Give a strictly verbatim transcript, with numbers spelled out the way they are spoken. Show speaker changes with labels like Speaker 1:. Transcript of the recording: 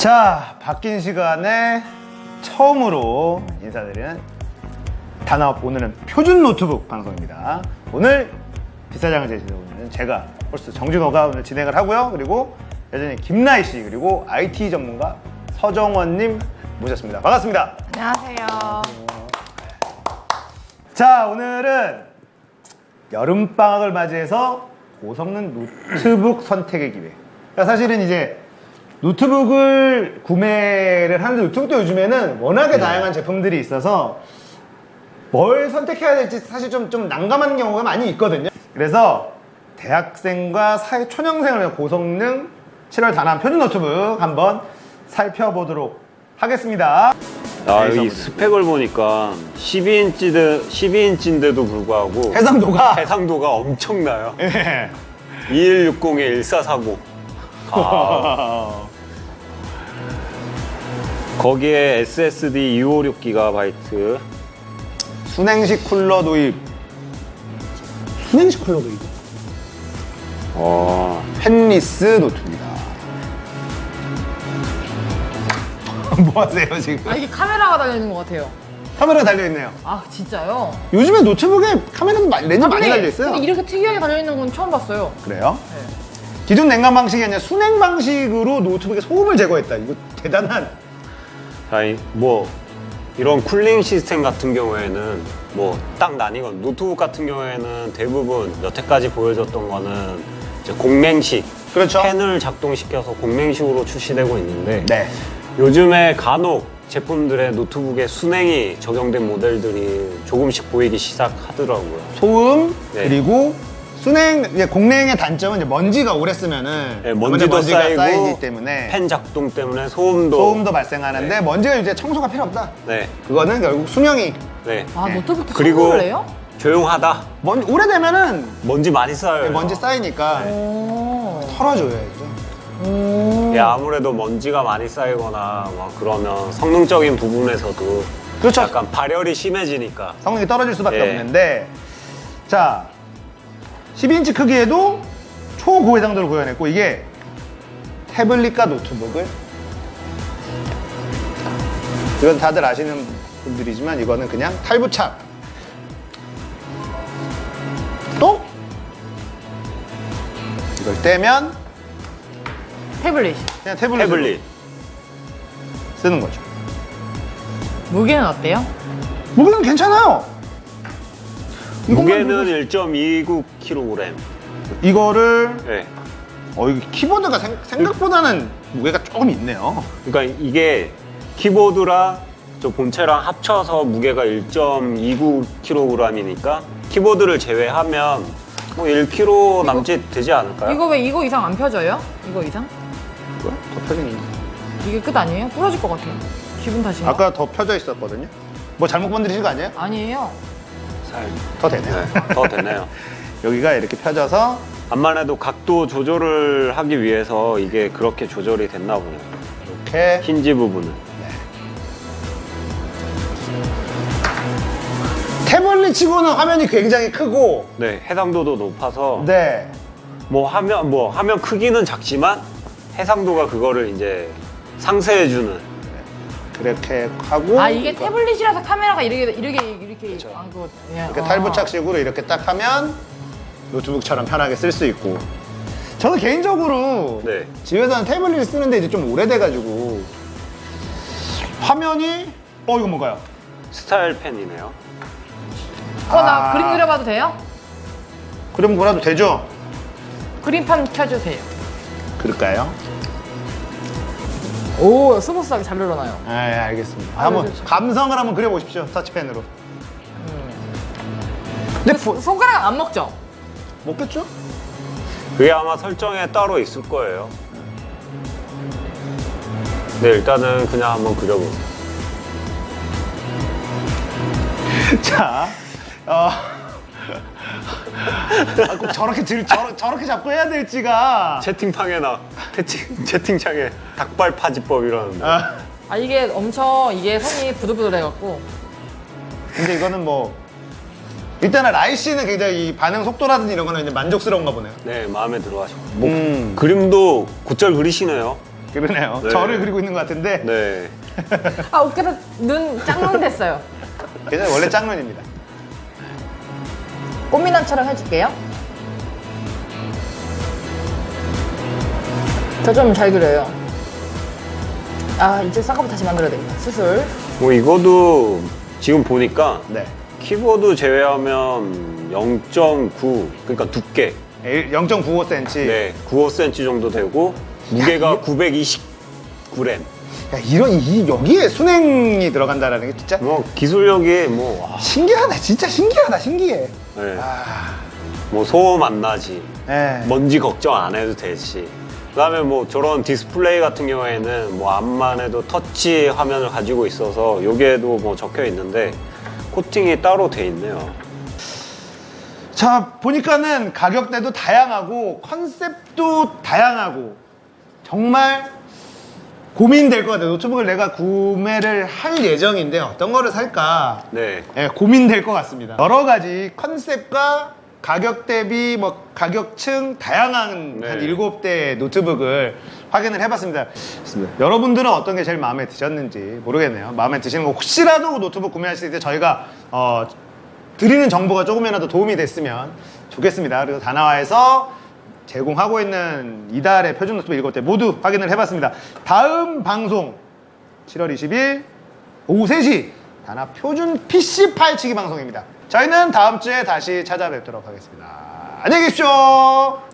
Speaker 1: 자, 바뀐 시간에 처음으로 인사드리는 단아업, 오늘은 표준 노트북 방송입니다. 오늘 뒷사장을 제시해 오는 제가 홀스 정준호가 오늘 진행을 하고요. 그리고 여전히 김나희 씨, 그리고 아이티 전문가 서정원님 모셨습니다. 반갑습니다.
Speaker 2: 안녕하세요.
Speaker 1: 자, 오늘은 여름방학을 맞이해서 고성능 노트북 선택의 기회. 그러니까 사실은 이제 노트북을 구매를 하는데, 노트북도 요즘에는 워낙에 네. 다양한 제품들이 있어서 뭘 선택해야 될지 사실 좀, 좀 난감한 경우가 많이 있거든요. 그래서 대학생과 사회 초년생을 위한 고성능 칠월 단합 표준 노트북 한번 살펴보도록 하겠습니다.
Speaker 3: 아, 이 스펙을 보니까 십이 인치인데, 십이 인치인데도 불구하고
Speaker 1: 해상도가
Speaker 3: 해상도가 엄청나요.
Speaker 1: 네.
Speaker 3: 이일육공에 일사사공. 아. 거기에 에스에스디 이백오십육 기가바이트.
Speaker 1: 순행식 쿨러 도입. 순행식 쿨러 도입.
Speaker 3: 어.
Speaker 1: 펜리스 노트입니다. 뭐 하세요 지금?
Speaker 2: 아, 이게 카메라가 달려있는 것 같아요.
Speaker 1: 카메라가 달려있네요.
Speaker 2: 아, 진짜요?
Speaker 1: 요즘에 노트북에 카메라도 많이, 렌즈 많이 달려있어요.
Speaker 2: 근데 이렇게 특이하게 달려있는 건 처음 봤어요.
Speaker 1: 그래요?
Speaker 2: 네.
Speaker 1: 기존 냉각 방식이 아니라 순행 방식으로 노트북의 소음을 제거했다. 이거 대단한.
Speaker 3: 자, 이, 뭐 이런 쿨링 시스템 같은 경우에는 뭐 딱 나뉘건, 노트북 같은 경우에는 대부분 여태까지 보여줬던 거는 이제 공맹식,
Speaker 1: 그렇죠.
Speaker 3: 팬을 작동시켜서 공맹식으로 출시되고 있는데,
Speaker 1: 네.
Speaker 3: 요즘에 간혹 제품들의 노트북에 순행이 적용된 모델들이 조금씩 보이기 시작하더라고요.
Speaker 1: 소음,
Speaker 3: 네.
Speaker 1: 그리고 순행, 이제 공냉의 단점은 이제 먼지가 오래 쓰면은
Speaker 3: 네, 먼지도
Speaker 1: 먼지가
Speaker 3: 쌓이고
Speaker 1: 쌓이기 때문에
Speaker 3: 팬 작동 때문에 소음도
Speaker 1: 소음도 발생하는데,
Speaker 3: 네.
Speaker 1: 먼지가 이제 청소가 필요 없다.
Speaker 3: 네,
Speaker 1: 그거는 결국 수명이
Speaker 3: 네.
Speaker 2: 아,
Speaker 1: 네.
Speaker 2: 노트북도
Speaker 3: 그리고
Speaker 2: 청소를 해요?
Speaker 3: 조용하다.
Speaker 1: 먼 오래되면은
Speaker 3: 먼지 많이 쌓여요.
Speaker 1: 먼지 쌓이니까
Speaker 2: 오.
Speaker 1: 털어줘야죠.
Speaker 2: 오.
Speaker 3: 예, 아무래도 먼지가 많이 쌓이거나 막 그러면 성능적인 부분에서도
Speaker 1: 그렇죠.
Speaker 3: 약간 발열이 심해지니까.
Speaker 1: 성능이 떨어질 수밖에
Speaker 3: 예.
Speaker 1: 없는데, 자, 십이 인치 크기에도 초고해상도를 구현했고, 이게 태블릿과 노트북을, 이건 다들 아시는 분들이지만 이거는 그냥 탈부착, 또 이걸 떼면
Speaker 2: 태블릿.
Speaker 1: 그냥 태블릿으로
Speaker 3: 태블릿.
Speaker 1: 쓰는 거죠.
Speaker 2: 무게는 어때요?
Speaker 1: 무게는 괜찮아요. 이것만
Speaker 3: 무게는
Speaker 1: 들고
Speaker 3: 일 점 이구 킬로그램.
Speaker 1: 이거를
Speaker 3: 네.
Speaker 1: 어, 이거 키보드가 생, 생각보다는 무게가 조금 있네요.
Speaker 3: 그러니까 이게 키보드랑 저 본체랑 합쳐서 무게가 일 점 이구 킬로그램이니까 키보드를 제외하면 뭐 일 킬로그램 남짓 되지 않을까요?
Speaker 2: 이거 왜 이거 이상 안 펴져요? 이거 이상?
Speaker 1: 뭐야? 더 펴져 있네.
Speaker 2: 이게 끝 아니에요? 부러질 것 같아요. 기분 탓인가?
Speaker 1: 아까 더 펴져 있었거든요. 뭐 잘못 건드리신 거 아니에요?
Speaker 2: 아니에요.
Speaker 3: 살.
Speaker 1: 더 되네요.
Speaker 3: 네, 더 되네요.
Speaker 1: 여기가 이렇게 펴져서
Speaker 3: 암만 해도 각도 조절을 하기 위해서 이게 그렇게 조절이 됐나 보네요.
Speaker 1: 이렇게
Speaker 3: 힌지 부분은.
Speaker 1: 태블릿 치고는 화면이 굉장히 크고,
Speaker 3: 네, 해상도도 높아서
Speaker 1: 네,
Speaker 3: 뭐 화면 뭐 화면 크기는 작지만 해상도가 그거를 이제 상쇄해주는.
Speaker 1: 그렇게 하고,
Speaker 2: 아, 이게 태블릿이라서 카메라가 이렇게 이렇게 이렇게
Speaker 1: 그렇죠.
Speaker 2: 안 그거 그냥,
Speaker 1: 이렇게
Speaker 2: 아.
Speaker 1: 탈부착식으로 이렇게 딱 하면 노트북처럼 편하게 쓸 수 있고. 저는 개인적으로
Speaker 3: 네.
Speaker 1: 집에서는 태블릿 쓰는데 이제 좀 오래돼가지고 화면이, 어 이거 뭔가요?
Speaker 3: 스타일 펜이네요.
Speaker 2: 어, 나
Speaker 1: 아.
Speaker 2: 그림 그려봐도 돼요?
Speaker 1: 그럼 뭐라도 되죠?
Speaker 2: 그림판 켜주세요.
Speaker 1: 그럴까요?
Speaker 2: 오, 스무스하게 잘 늘어나요.
Speaker 1: 네, 알겠습니다.
Speaker 2: 아,
Speaker 1: 한번
Speaker 2: 네, 네.
Speaker 1: 감성을 한번 그려보십시오. 터치펜으로. 근데 부,
Speaker 2: 손가락 안 먹죠?
Speaker 1: 먹겠죠?
Speaker 3: 그게 아마 설정에 따로 있을 거예요. 네, 일단은 그냥 한번 그려보세요.
Speaker 1: 자, 어. 아, 꼭 저렇게 들, 저러, 저렇게 잡고 해야 될지가.
Speaker 3: 채팅창에 나 채팅, 채팅창에 닭발 파지법 이러는데.
Speaker 1: 아,
Speaker 2: 아, 이게 엄청 이게 손이 부들부들해갖고.
Speaker 1: 근데 이거는 뭐 일단은 라이 씨는 굉장히 이 반응 속도라든지 이런 거는 이제 만족스러운가 보네요.
Speaker 3: 네, 마음에 들어 하시고. 뭐
Speaker 1: 음.
Speaker 3: 그림도 곧잘 그리시네요.
Speaker 1: 그러네요.
Speaker 3: 네.
Speaker 1: 저를 그리고 있는 것 같은데.
Speaker 3: 네.
Speaker 2: 아, 어깨로 눈 짝눈 됐어요.
Speaker 1: 괜찮아요. 원래 짝눈입니다.
Speaker 2: 꽃미남처럼 해줄게요. 저 좀 잘 그려요. 아, 이제 쌍꺼풀 다시 만들어야 되겠다. 수술.
Speaker 3: 뭐 이거도 지금 보니까
Speaker 1: 네.
Speaker 3: 키보드 제외하면 영 점 구, 그러니까 두께.
Speaker 1: 영 점 구오 센티미터.
Speaker 3: 네, 구십오 센티미터 정도 되고 무게가 구백이십구 그램.
Speaker 1: 야, 이런, 이, 여기에 순행이 들어간다라는 게 진짜
Speaker 3: 뭐 기술력이 뭐, 와,
Speaker 1: 신기하다. 진짜 신기하다. 신기해.
Speaker 3: 네.
Speaker 1: 아,
Speaker 3: 뭐 소음 안 나지.
Speaker 1: 네.
Speaker 3: 먼지 걱정 안 해도 되지. 그다음에 뭐 저런 디스플레이 같은 경우에는 뭐 앞만 해도 터치 화면을 가지고 있어서 여기에도 뭐 적혀 있는데 코팅이 따로 돼 있네요.
Speaker 1: 자, 보니까는 가격대도 다양하고 컨셉도 다양하고 정말 고민될 것 같아요. 노트북을 내가 구매를 할 예정인데 어떤 거를 살까
Speaker 3: 네.
Speaker 1: 예, 고민될 것 같습니다. 여러 가지 컨셉과 가격 대비 뭐 가격층 다양한
Speaker 3: 네.
Speaker 1: 한 일곱 대 노트북을 확인을 해봤습니다. 여러분들은 어떤 게 제일 마음에 드셨는지 모르겠네요. 마음에 드시는 거 혹시라도 노트북 구매하실 때 저희가 어, 드리는 정보가 조금이라도 도움이 됐으면 좋겠습니다. 그래서 다나와에서 제공하고 있는 이달의 표준 노트북 일곱 대 모두 확인을 해봤습니다. 다음 방송 칠월 이십일 오후 세 시 다나 표준 피씨 파헤치기 방송입니다. 저희는 다음 주에 다시 찾아뵙도록 하겠습니다. 안녕히 계십시오.